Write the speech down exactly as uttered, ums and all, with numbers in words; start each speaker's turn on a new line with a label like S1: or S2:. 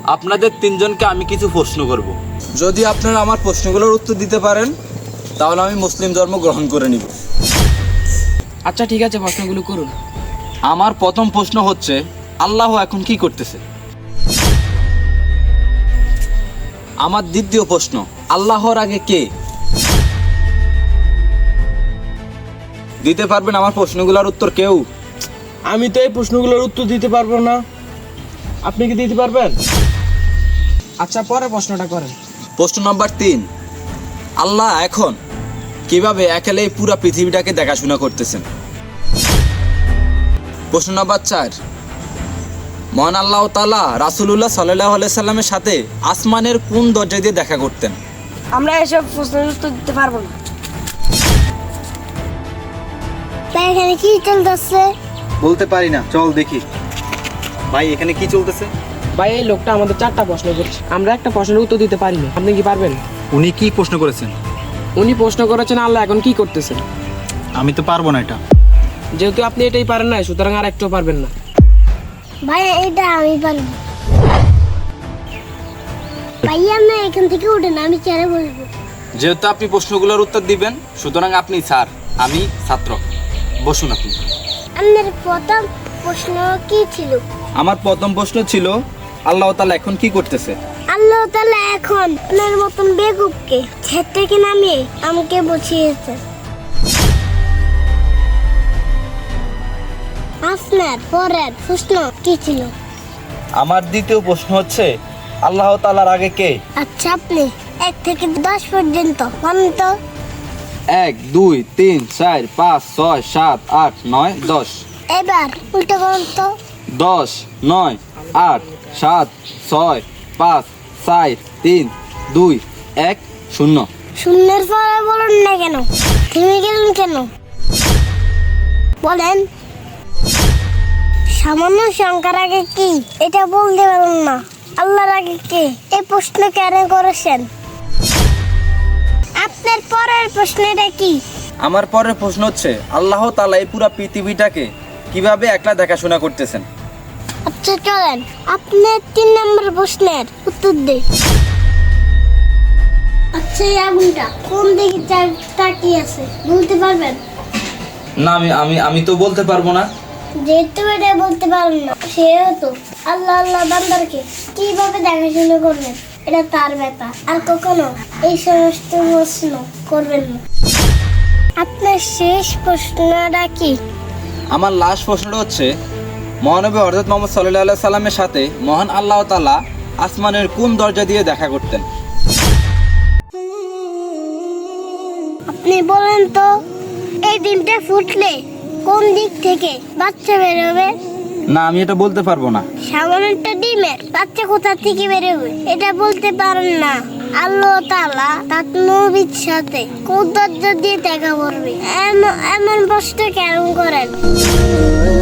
S1: আপনাদের তিনজনকে আমি কিছু প্রশ্ন করব।
S2: যদি আপনারা আমার প্রশ্নগুলোর উত্তর দিতে পারেন তাহলে আমি মুসলিম ধর্ম গ্রহণ করে নিব।
S3: আচ্ছা ঠিক আছে, প্রশ্নগুলো করুন।
S1: আমার প্রথম প্রশ্ন হচ্ছে, আল্লাহ এখন কি করতেছে? আমার দ্বিতীয় প্রশ্ন, আল্লাহর আগে কে? দিতে পারবেন আমার প্রশ্নগুলোর উত্তর কেউ?
S4: আমি তো এই প্রশ্নগুলোর উত্তর দিতে পারবো না, আপনি কি দিতে পারবেন?
S3: আচ্ছা, পরে প্রশ্নটা করেন।
S1: প্রশ্ন নম্বর তিন, আল্লাহ এখন কিভাবে একেলে এই পুরো পৃথিবীটাকে দেখাশোনা করতেছেন? প্রশ্ন নম্বর চার, মহান আল্লাহ তাআলা রাসূলুল্লাহ সাল্লাল্লাহু আলাইহি সাল্লামের সাথে আসমানের কোন দরজা দিয়ে দেখা করতেন?
S5: আমরা এসব প্রশ্নের উত্তর দিতে পারবো না। তাই এখানে কি চলতেছে?
S2: বলতে পারি না, চল দেখি। ভাই এখানে কি চলতেছে?
S3: ভাই, এই লোকটা আমাদের চারটা প্রশ্ন করছে, আমরা একটা প্রশ্নের উত্তর দিতে পারি না। আপনি কি পারবেন?
S2: উনি কি প্রশ্ন করেছেন?
S3: উনি প্রশ্ন করেছেন আল্লাহ এখন কি করতেছেন।
S2: আমি তো পারবো না এটা।
S3: যেহেতু আপনি এটাই পারেন না, সুতরাং আর একটু পারবেন না।
S5: ভাই এটা আমি পারবো। ভাইয়া না এখান থেকে উঠেন, আমি চেয়ারে বসবো।
S1: যেহেতু আপনি প্রশ্নগুলোর উত্তর দিবেন, সুতরাং আপনি স্যার, আমি ছাত্র। বসুন আপনি।
S5: আপনার প্রথম প্রশ্ন কি ছিল?
S1: আমার প্রথম প্রশ্ন ছিল, আল্লাহ তাআলা এখন কি করতেছে?
S5: আল্লাহ তাআলা এখন আপনার মতন বেকুবকে ছাদ থেকে নামিয়ে আমাকে বসিয়েছে। আপনার পরের প্রশ্ন কি ছিল?
S1: আমার দ্বিতীয় প্রশ্ন হচ্ছে, আল্লাহ তাআলার আগে কে?
S5: আচ্ছা, আপনি এক থেকে দশ পর্যন্ত বলেন তো।
S1: এক, দুই, তিন, চার, পাঁচ, ছয়, সাত, আট, নয়, দশ।
S5: এবার উল্টো করুন তো।
S1: দশ, নয়, আট, সাত, ছয়, পাঁচ, চার, তিন, দুই, এক, শূন্য।
S5: শূন্যের পরে বলুন না কেন, থেমে গেলেন কেন বলেন? সামান্য সংখ্যার আগে কি এটা বলতে পারুন না? আল্লাহর আগে কে? এই প্রশ্ন কেন করেছেন? আপনার পরের প্রশ্নটা কি?
S1: আমার পরের প্রশ্ন হচ্ছে, আল্লাহ তাআলা এই পুরো পৃথিবীটাকে কিভাবে একলা দেখাশোনা করতেছেন?
S5: আচ্ছা চলেন আপনার তিন নম্বর প্রশ্নের উত্তর দেই। আচ্ছা, এই আগুনটা কোন দিকে চা- তাকিয়ে আছে বলতে পারবেন?
S1: না, আমি আমি আমি তো বলতে পারবো না।
S5: যেহেতু এটা বলতে পারেন না, সেহেতু আল্লাহ আল্লাহ বান্দারকে কিভাবে দেখাশোনা করবেন এটা তার ব্যাপার, আর কখনো এই সমস্ত প্রশ্ন করবেন না। আপনার শেষ প্রশ্নটা কি?
S1: আমার লাস্ট প্রশ্নটা হচ্ছে, মহানবী হযরত মুহাম্মদ সাল্লাল্লাহু আলাইহি সাল্লামের সাথে মহান আল্লাহ তাআলা আসমানের কোন দরজা দিয়ে দেখা করতেন?
S5: আপনি বলেন তো, এই ডিমটা ফুটলে কোন দিক থেকে বাচ্চা বেরোবে?
S1: না, আমি এটা বলতে পারবো না।
S5: সামান্য একটা ডিমের বাচ্চা কোথা থেকে বেরোবে এটা বলতে পারেন না। আল্লাহ তাআলা তার নবীর সাথে কোন দরজা দিয়ে দেখা করবে এমন এমন প্রশ্ন কেন করেন?